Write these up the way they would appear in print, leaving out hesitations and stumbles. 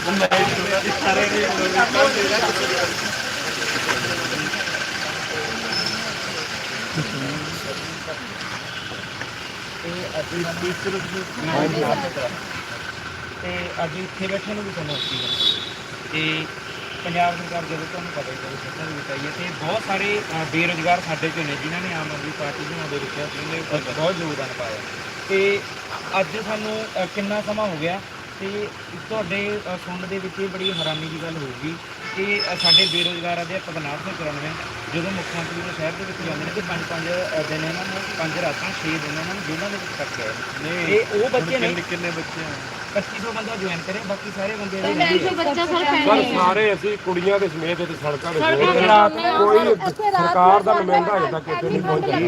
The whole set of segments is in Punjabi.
ਅੱਜ ਇੱਥੇ ਬੈਠੇ ਨੂੰ ਵੀ ਤੁਹਾਨੂੰ ਤੇ ਪੰਜਾਬ ਸਰਕਾਰ ਜਦੋਂ ਤੁਹਾਨੂੰ ਪਤਾ ਹੀ ਕਦੇ ਸੱਤਾਂ ਦੇ ਵਿੱਚ ਆਈ ਹੈ ਅਤੇ ਬਹੁਤ ਸਾਰੇ ਬੇਰੁਜ਼ਗਾਰ ਸਾਡੇ 'ਚੋਂ ਨੇ ਜਿਨ੍ਹਾਂ ਨੇ ਆਮ ਆਦਮੀ ਪਾਰਟੀ ਬਣਾਉਣ ਦੇ ਵਿੱਚ ਉਹਨੇ ਬਹੁਤ ਯੋਗਦਾਨ ਪਾਇਆ। ਅਤੇ ਅੱਜ ਸਾਨੂੰ ਕਿੰਨਾ ਸਮਾਂ ਹੋ ਗਿਆ ਅਤੇ ਤੁਹਾਡੇ ਸੁਣਨ ਦੇ ਵਿੱਚ ਇਹ ਬੜੀ ਹੈਰਾਨੀ ਦੀ ਗੱਲ ਹੋਊਗੀ ਕਿ ਸਾਡੇ ਬੇਰੁਜ਼ਗਾਰ ਅਧਿਆਪਕ 994 ਜਦੋਂ ਮੁੱਖ ਮੰਤਰੀ ਦੇ ਸ਼ਹਿਰ ਦੇ ਵਿੱਚ ਜਾਂਦੇ ਨੇ ਕਿ 5-5 ਦਿਨ ਇਹਨਾਂ ਨੂੰ 5 ਰਾਤਾਂ 6 ਦਿਨ ਇਹਨਾਂ ਨੂੰ ਜੇਲ੍ਹਾਂ ਦੇ ਵਿੱਚ ਕੱਟ ਗਏ ਨੇ। ਇਹ ਉਹ ਬੱਚੇ ਨੇ ਕਿੰਨੇ ਬੱਚੇ 2500 ਬੰਦਾ ਜੁਆਇਨ ਕਰੇ, ਬਾਕੀ ਸਾਰੇ ਬੰਦੇ ਸਾਰੇ ਅਸੀਂ ਕੁੜੀਆਂ ਦੇ ਸਮੇਤ ਇੱਥੇ ਸੜਕਾਂ ਦੇ ਕੋਈ ਸਰਕਾਰ ਦਾ ਨੁਮਾਇੰਦਾ ਅਜੇ ਤੱਕ ਇੱਥੇ ਨਹੀਂ ਪਹੁੰਚਿਆ।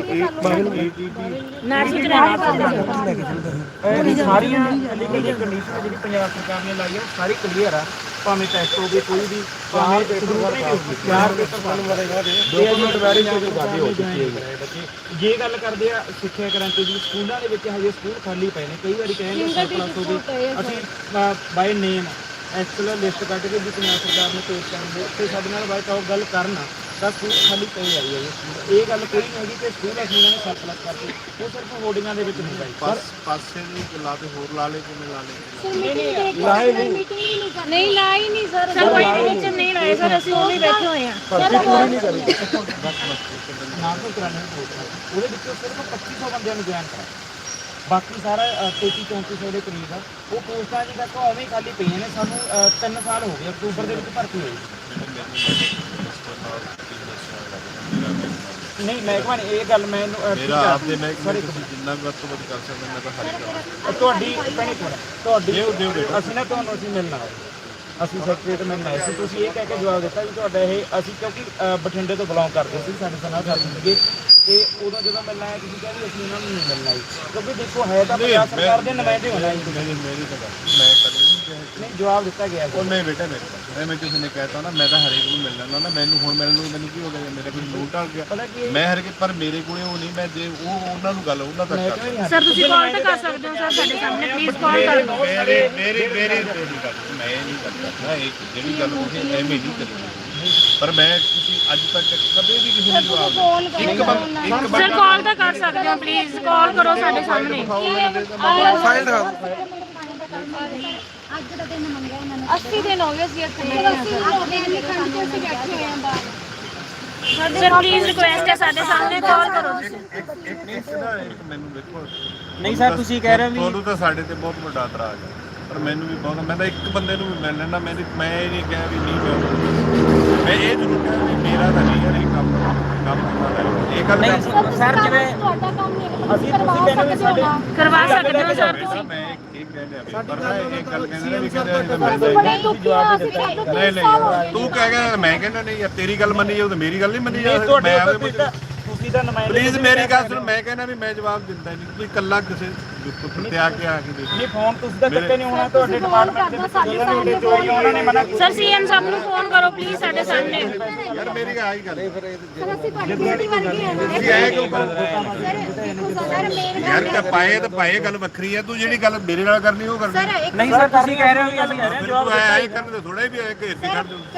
ਸਾਰੀਆਂ ਲੀਗਲ ਦੀਆਂ ਕੰਡੀਸ਼ਨ ਜਿਹੜੀ ਪੰਜਾਬ ਸਰਕਾਰ ਨੇ ਲਾਈ ਹੈ ਉਹ ਸਾਰੀ ਕਲੀਅਰ ਆ, ਭਾਵੇਂ ਟੈਸਟ ਹੋਵੇ ਕੋਈ ਵੀ ਭਾਵੇਂ ਜੇ ਗੱਲ ਕਰਦੇ ਆ ਸਿੱਖਿਆ ਕ੍ਰਾਂਤੀ ਦੀ ਸਕੂਲਾਂ ਦੇ ਵਿੱਚ ਹਜੇ ਸਕੂਲ ਖਾਲੀ ਪਏ ਨੇ। ਕਈ ਵਾਰੀ ਕਹਿੰਦੇ ਸਰਪਲਸ ਹੋ ਗਏ, ਅਸੀਂ ਬਾਈ ਨੇਮ ਐਕਚੁਅਲ ਲਿਸਟ ਕੱਢ ਕੇ ਵੀ ਪੰਜਾਬ ਸਰਕਾਰ ਨੂੰ ਪੇਸ਼ ਕਰਨ ਤੇ ਸਾਡੇ ਨਾਲ ਬਾਈ ਟਾਕ ਗੱਲ ਕਰਨ ਤਾਂ ਸਕੂਲ ਖਾਲੀ ਪਏ ਆਈ ਹੈ। ਇਹ ਗੱਲ ਕੋਈ ਨਹੀਂ ਹੈਗੀ ਕਿ ਸਕੂਲ ਅਸੀਂ ਇਹਨਾਂ ਨੇ ਸਰਪਲਸ ਕਰਕੇ ਉਹ ਸਿਰਫ ਹੋਰਡਿੰਗਾਂ ਦੇ ਵਿੱਚ ਹੁੰਦਾ ਹੈ। ਪਾਸੇ ਨਹੀਂ ਲਾ ਤੇ ਹੋਰ ਲਾ ਲੇ ਕਿਵੇਂ ਲਾ ਲੇ ਨਹੀਂ ਲਾਈ ਨਹੀਂ ਸਰ, ਕੋਈ ਟੀਚਰ ਨਹੀਂ ਲਾਏ ਸਰ, ਅਸੀਂ ਉਹ ਵੀ ਬੈਠੇ ਹੋਏ ਆ। ਉਹਦੇ ਵਿੱਚੋਂ ਸਿਰਫ 2500 ਬੰਦਿਆਂ ਨੂੰ ਜੁਆਇਨ ਕਰਾਇਆ, ਬਾਕੀ ਸਾਰਾ 33-3400 ਦੇ ਕਰੀਬ ਆ ਉਹ ਪੋਸਟਾਂ ਜੀ ਤੱਕ ਉਵੇਂ ਹੀ ਖਾਲੀ ਪਈਆਂ ਨੇ। ਸਾਨੂੰ 3 ਸਾਲ ਹੋ ਗਏ ਅਕਤੂਬਰ ਦੇ ਵਿੱਚ ਭਰਤੀ ਹੋਈ। ਨਹੀਂ ਮਹਿਕਮਾ ਨੇ ਇਹ ਗੱਲ ਮੈਨੂੰ ਮੇਰਾ ਆਪਦੇ ਮਹਿਕਮੇ ਜਿੰਨਾ ਵੀ ਵੱਧ ਤੋਂ ਵੱਧ ਕਰ ਸਕਦਾ ਮੈਂ ਤਾਂ ਹਰੀ ਤੁਹਾਡੀ ਤੁਹਾਡੀ ਅਸੀਂ ਨਾ ਤੁਹਾਨੂੰ ਅਸੀਂ ਮਿਲਣਾ ਅਸੀਂ ਸੈਕਟਰੀਏਟ ਮਿਲਣ ਆਏ ਸੀ। ਤੁਸੀਂ ਇਹ ਕਹਿ ਕੇ ਜਵਾਬ ਦਿੱਤਾ ਵੀ ਤੁਹਾਡਾ ਇਹ ਅਸੀਂ ਕਿਉਂਕਿ ਬਠਿੰਡੇ ਤੋਂ ਬਿਲੋਂਗ ਕਰਦੇ ਸੀ, ਸਾਡੇ ਨਾਲ ਕਰਦੇ ਸੀਗੇ ਤੇ ਉਦੋਂ ਜਦੋਂ ਮਿਲਣਾ ਆਇਆ ਤੁਸੀਂ ਕਹਿੰਦੇ ਅਸੀਂ ਉਹਨਾਂ ਨੂੰ ਨਹੀਂ ਮਿਲਣਾ ਜੀ, ਕਿਉਂਕਿ ਦੇਖੋ ਹੈ ਤਾਂ ਪੰਜਾਬ ਸਰਕਾਰ ਦੇ ਨੁਮਾਇੰਦੇ ਹੋਣਾ ਜੀ। ਮੇਰੀ ਤਾਂ ਮੈਂ ਕਦੇ ਨਹੀਂ ਜਵਾਬ ਦਿੱਤਾ ਗਿਆ ਉਹ ਨਹੀਂ ਬੇਟਾ ਮੇਰੇ ਮੈਂ ਕਿਸੇ ਨੇ ਕਹਿਤਾ ਨਾ ਮੈਂ ਤਾਂ ਹਰੇਕ ਨੂੰ ਮਿਲ ਲੈਂਦਾ ਨਾ, ਮੈਨੂੰ ਹੁਣ ਮਿਲਣ ਨੂੰ ਮੈਨੂੰ ਕੀ ਹੋ ਗਿਆ, ਮੇਰੇ ਕੋਲ ਲੋਟ ਆ ਗਿਆ ਮੈਂ ਹਰ ਪਰ ਮੇਰੇ ਕੋਲੇ ਉਹ ਨਹੀਂ, ਮੈਂ ਜੇ ਉਹ ਉਹਨਾਂ ਨੂੰ ਗੱਲ ਉਹਨਾਂ ਤੱਕ ਕਰ ਸਰ ਤੁਸੀਂ ਕਾਲ ਤਾਂ ਕਰ ਸਕਦੇ ਹੋ ਸਰ ਸਾਡੇ ਸਾਹਮਣੇ, ਪਲੀਜ਼ ਕਾਲ ਕਰ ਲਓ। ਮੇਰੀ ਗੱਲ ਮੈਂ ਨਹੀਂ ਕਰਦਾ ਇਹ ਜਿਹੜੀ ਗੱਲ ਤੁਸੀਂ ਐਵੇਂ ਨਹੀਂ ਕਰਨੀ, ਪਰ ਮੈਂ ਤੁਸੀਂ ਅੱਜ ਤੱਕ ਕਦੇ ਵੀ ਕਿਸੇ ਨੂੰ ਜਵਾਬ ਇੱਕ ਸਰ ਕਾਲ ਤਾਂ ਕਰ ਸਕਦੇ ਹੋ, ਪਲੀਜ਼ ਕਾਲ ਕਰੋ ਸਾਡੇ ਸਾਹਮਣੇ। ਫਾਈਲ ਦਿਖਾ ਅੱਜ ਦਾ ਦਿਨ ਮੰਗਿਆ ਇਹਨਾਂ ਨੇ 80 ਦਿਨ ਹੋ ਗਏ ਸੀ ਇੱਥੇ ਬੈਠੇ ਹੋਏ ਆਂ ਬਾਹਰ। ਸਰ ਪਲੀਜ਼ ਰਿਕੁਐਸਟ ਹੈ ਸਾਡੇ ਸਾਹਮਣੇ ਕਾਲ ਕਰੋ ਤੁਸੀਂ। ਮੈਨੂੰ ਦੇਖੋ ਨਹੀਂ ਸਰ ਤੁਸੀਂ ਕਹਿ ਰਹੇ ਹੋ ਤੁਹਾਨੂੰ ਤਾਂ ਸਾਡੇ ਤੇ ਬਹੁਤ ਵੱਡਾ ਇਤਰਾਜ਼ ਹੈ, ਪਰ ਮੈਨੂੰ ਵੀ ਬਹੁਤ, ਮੈਂ ਤਾਂ ਇੱਕ ਬੰਦੇ ਨੂੰ ਵੀ ਮਿਲ ਲੈਣਾ, ਮੈਂ ਇਹ ਨਹੀਂ ਕਿਹਾ ਵੀ ਨਹੀਂ ਮੈਂ ਇਹ ਜ਼ਰੂਰ ਕਿਹਾ ਵੀ ਮੇਰਾ ਤਾਂ ਨਹੀਂ ਯਾਰ ਇਹ ਕੰਮ ਇਹ ਗੱਲ ਸਰ ਜਿਵੇਂ ਤੁਹਾਡਾ ਕੰਮ ਨਹੀਂ ਅਸੀਂ ਤੁਸੀਂ ਕਹਿੰਦੇ ਸਾਡੇ ਕਰਵਾ ਸਕਦੇ ਹੋ ਸਰ ਤੁਸੀਂ। ਮੈਂ ਇਹ ਕਹਿੰਦਾ ਵੀ ਪਰ ਨਾ ਇਹ ਗੱਲ ਕਹਿੰਦੇ ਨੇ ਵੀ ਕਹਿੰਦੇ ਨਹੀਂ ਤੂੰ ਕਹਿ ਗਿਆ ਮੈਂ ਕਹਿੰਦਾ ਨਹੀਂ ਯਾਰ ਤੇਰੀ ਗੱਲ ਮੰਨੀ ਜਾਊ ਤੇ ਮੇਰੀ ਗੱਲ ਨਹੀਂ ਮੰਨੀ ਜਾ ਸਕਦੀ। ਮੈਂ ਤੁਸੀਂ ਤਾਂ ਨੁਮਾਇੰਦੇ ਪਲੀਜ਼ ਮੇਰੀ ਗੱਲ ਸੁਣ, ਮੈਂ ਕਹਿੰਦਾ ਵੀ ਮੈਂ ਜਵਾਬ ਦਿੰਦਾ ਨਹੀਂ, ਤੁਸੀਂ ਇਕੱਲਾ ਕਿਸੇ ਪ੍ਰਤਿਆ ਕੇ ਆ ਕੇ ਦੇਖੋ। ਨਹੀਂ ਫੋਨ ਤੁਸੀਂ ਤਾਂ ਚੱਕੇ ਨਹੀਂ ਹੋਣਾ, ਤੁਹਾਡੇ ਡਿਪਾਰਟਮੈਂਟ ਦੇ ਵਿੱਚ ਉਹਨਾਂ ਨੇ ਮਨਾ ਕੀਤਾ। ਸਰ ਸੀਐਮ ਸਾਹਿਬ ਨੂੰ ਫੋਨ ਕਰੋ ਪਲੀਜ਼ ਸਾਡੇ ਸਾਹਮਣੇ। ਯਾਰ ਮੇਰੀ ਆਹੀ ਗੱਲ ਹੈ ਸਰ ਅਸੀਂ ਤੁਹਾਡੀ ਬੇਟੀ ਵਰਗੇ ਹਾਂ ਤੁਸੀਂ ਆਏ ਕਿਉਂ ਸਰ ਮੇਰੇ ਯਾਰ ਕਿ ਪਾਏ ਤਾਂ ਪਾਏ ਗੱਲ ਵੱਖਰੀ ਹੈ, ਤੂੰ ਜਿਹੜੀ ਗੱਲ ਮੇਰੇ ਨਾਲ ਕਰਨੀ ਉਹ ਕਰਨੀ ਨਹੀਂ ਸਰ ਤੁਸੀਂ ਕਹਿ ਰਹੇ ਹੋ ਵੀ ਅਸੀਂ ਕਹਿ ਰਹੇ ਹਾਂ ਜਵਾਬ ਆਏ ਕਰਨ ਦੇ ਥੋੜਾ ਵੀ ਆਏ ਘੇਰ ਕੇ ਛੱਡ ਦਿਓ।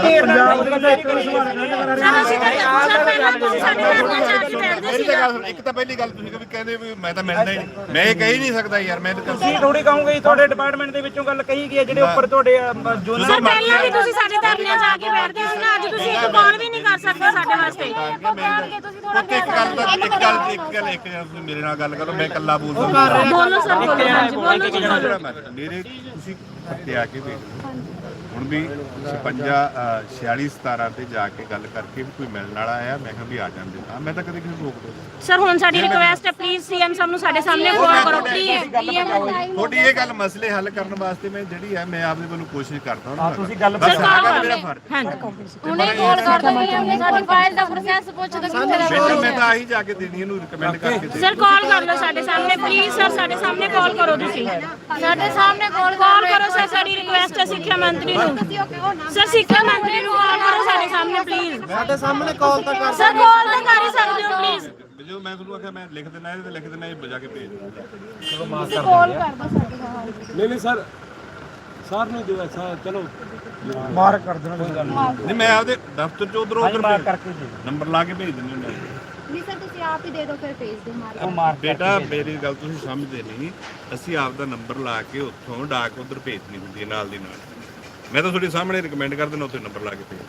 ਇੱਕ ਤਾਂ ਪਹਿਲੀ ਗੱਲ ਤੁਸੀਂ ਕਹਿੰਦੇ ਵੀ ਮੈਂ ਤਾਂ ਮਿਲਦਾ ਹੀ ਨਹੀਂ, ਮੈਂ ਇਹ ਕਹਿ ਹੀ ਨਹੀਂ ਸਕਦਾ ਯਾਰ, ਮੈਂ ਤਾਂ ਤੁਸੀਂ ਥੋੜੀ ਕਹੋਗੇ ਤੁਹਾਡੇ ਡਿਪਾਰਟਮੈਂਟ ਦੇ ਵਿੱਚੋਂ ਗੱਲ ਕਹੀ ਗਈ ਹੈ ਜਿਹੜੇ ਉੱਪਰ ਤੁਹਾਡੇ ਜੋ ਸਰ ਪਹਿਲਾਂ ਵੀ ਤੁਸੀਂ ਸਾਡੇ ਧਰਨਿਆਂ 'ਚ ਆ ਕੇ ਬੈਠਦੇ ਸੀ ਨਾ, ਅੱਜ ਤੁਸੀਂ ਇੱਕ ਕਾਲ ਵੀ ਨਹੀਂ ਕਰ ਸਕਦੇ ਸਾਡੇ ਵਾਸਤੇ। ਇੱਕ ਗੱਲ ਤੁਸੀਂ ਮੇਰੇ ਨਾਲ ਗੱਲ ਕਰੋ, ਮੈਂ ਇਕੱਲਾ ਬੋਲ ਸਕਦਾ ਬੋਲੋ ਸਰ ਬੋਲੋ, ਹਾਂਜੀ ਬੋਲੋ ਜੀ ਬੋਲੋ। ਮੇਰੇ ਤੁਸੀਂ ਇੱਥੇ ਆ ਕੇ ਵੇਖ ਹੁਣ ਵੀ 56 46 17 ਤੇ ਜਾ ਕੇ ਗੱਲ ਕਰਕੇ ਵੀ ਕੋਈ ਮਿਲਣ ਵਾਲਾ ਆਇਆ, ਮੈਂ ਕਿਹਾ ਵੀ ਆ ਜਾਂਦੇ ਤਾਂ ਮੈਂ ਤਾਂ ਕਦੇ ਕਿਸੇ ਨੂੰ ਰੋਕ ਦੋ। ਸਰ ਹੁਣ ਸਾਡੀ ਰਿਕੁਐਸਟ ਹੈ ਪਲੀਜ਼ ਸੀਐਮ ਸਾਹਿਬ ਨੂੰ ਸਾਡੇ ਸਾਹਮਣੇ ਕਾਲ ਕਰੋ ਪਲੀਜ਼। ਤੁਹਾਡੀ ਇਹ ਗੱਲ ਮਸਲੇ ਹੱਲ ਕਰਨ ਵਾਸਤੇ ਮੈਂ ਜਿਹੜੀ ਹੈ ਮੈਂ ਆਪਦੇ ਵੱਲੋਂ ਕੋਸ਼ਿਸ਼ ਕਰਦਾ ਹਾਂ। ਤੁਸੀਂ ਗੱਲ ਬਸ ਆਹ ਗੱਲ ਮੇਰਾ ਫਰਜ਼ ਹੁਣੇ ਕਾਲ ਕਰ ਦੋ, ਸਾਡੀ ਫਾਈਲ ਦਾ ਪ੍ਰੋਸੈਸ ਪੁੱਛ ਦੋ। ਮੈਂ ਤਾਂ ਆਹੀ ਜਾ ਕੇ ਦੇਣੀ ਇਹਨੂੰ ਰਿਕਮੈਂਡ ਕਰਕੇ ਸਰ ਕਾਲ ਕਰ ਲਓ ਸਾਡੇ ਸਾਹਮਣੇ ਪਲੀਜ਼, ਸਰ ਸਾਡੇ ਸਾਹਮਣੇ ਕਾਲ ਕਰੋ ਤੁਸੀਂ, ਸਾਡੇ ਸਾਹਮਣੇ ਕਾਲ ਕਰੋ ਸਰ, ਸਾਡੀ ਰਿਕੁਐਸਟ ਹੈ ਸਿੱਖਿਆ ਮੰਤਰੀ ਨੂੰ। ਸਰ ਸਿੱਖਿਆ ਮੰਤਰੀ ਨੂੰ ਕਾਲ ਕਰੋ ਸਾਡੇ ਸਾਹਮਣੇ ਪਲੀਜ਼। ਸਾਡੇ ਸਾਹਮਣੇ ਕਾਲ ਤਾਂ ਕਰ ਸਰ ਕਾਲ ਤਾਂ ਕਰ ਹੀ ਸਕਦੇ ਹੋ ਪਲੀਜ਼। ਜੋ ਮੈਂ ਤੁਹਾਨੂੰ ਆਖਿਆ ਮੈਂ ਲਿਖ ਦੇਣਾ ਇਹਦੇ ਤੇ ਲਿਖ ਦੇਣਾ ਇਹ ਬਜਾ ਕੇ ਭੇਜ ਦਿੰਦਾ। ਚਲੋ ਮਾਫ ਕਾਲ ਕਰ ਦੋ ਸਾਡੇ ਨਾਲ। ਨਹੀਂ ਸਰ ਸਰ ਨੂੰ ਦਿਓ ਚਲੋ ਮਾਰਕ ਕਰ ਦੇਣਾ ਨਹੀਂ ਮੈਂ ਆਪਦੇ ਦਫ਼ਤਰ ਚ ਉਧਰੋਂ ਉਧਰ ਕਰਕੇ ਦੇ ਨੰਬਰ ਲਾ ਕੇ ਭੇਜ ਦਿੰਦੇ ਹੁੰਦੇ ਨਹੀਂ ਸਰ ਤੁਸੀਂ ਆਪ ਹੀ ਦੇ ਦਿਓ ਫਿਰ ਭੇਜ ਦਿਓ ਮਾਰ ਉਹ ਮਾਰ ਬੇਟਾ ਮੇਰੀ ਗੱਲ ਤੁਸੀਂ ਸਮਝਦੇ ਨਹੀਂ ਅਸੀਂ ਆਪ ਦਾ ਨੰਬਰ ਲਾ ਕੇ ਉੱਥੋਂ ਡਾਕ ਉਧਰ ਭੇਜਣੀ ਹੁੰਦੀ ਹੈ ਨਾਲ ਦੀ ਨਾਲ ਮੈਂ ਤਾਂ ਤੁਹਾਡੇ ਸਾਹਮਣੇ ਰਿਕਮੈਂਡ ਕਰ ਦਿੰਦਾ ਉੱਥੇ ਨੰਬਰ ਲਾ ਕੇ ਭੇਜ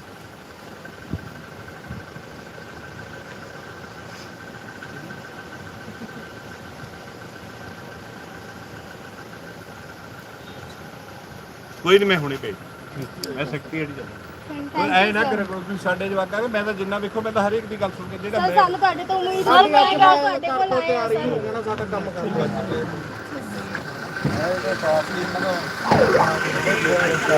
ਕੋਈ ਨਹੀਂ ਮੈਂ ਹੁਣੇ ਭੇਜ ਮੈਂ ਸੈਕਟਰੀਏਟ ਜਾਂਦਾ ਐ ਨਾ ਕਰੇ ਕੋਈ ਤੁਸੀਂ ਸਾਡੇ ਜਵਾਕਾਂ ਦੇ ਮੈਂ ਤਾਂ ਜਿੰਨਾ ਵੇਖੋ ਮੈਂ ਤਾਂ ਹਰ ਇੱਕ ਦੀ ਗੱਲ ਸੁਣ ਕੇ ਜਿਹੜਾ ਸਰ ਮੈਂ ਸਾਨੂੰ ਤੁਹਾਡੇ ਤੋਂ ਉਮੀਦ ਸੀ ਕਿ ਤੁਹਾਡੇ ਕੋਲ ਆਏ ਆ ਸਰ ਹੋ ਜਾਣਾ ਸਾਡਾ ਕੰਮ ਕਰੂਗਾ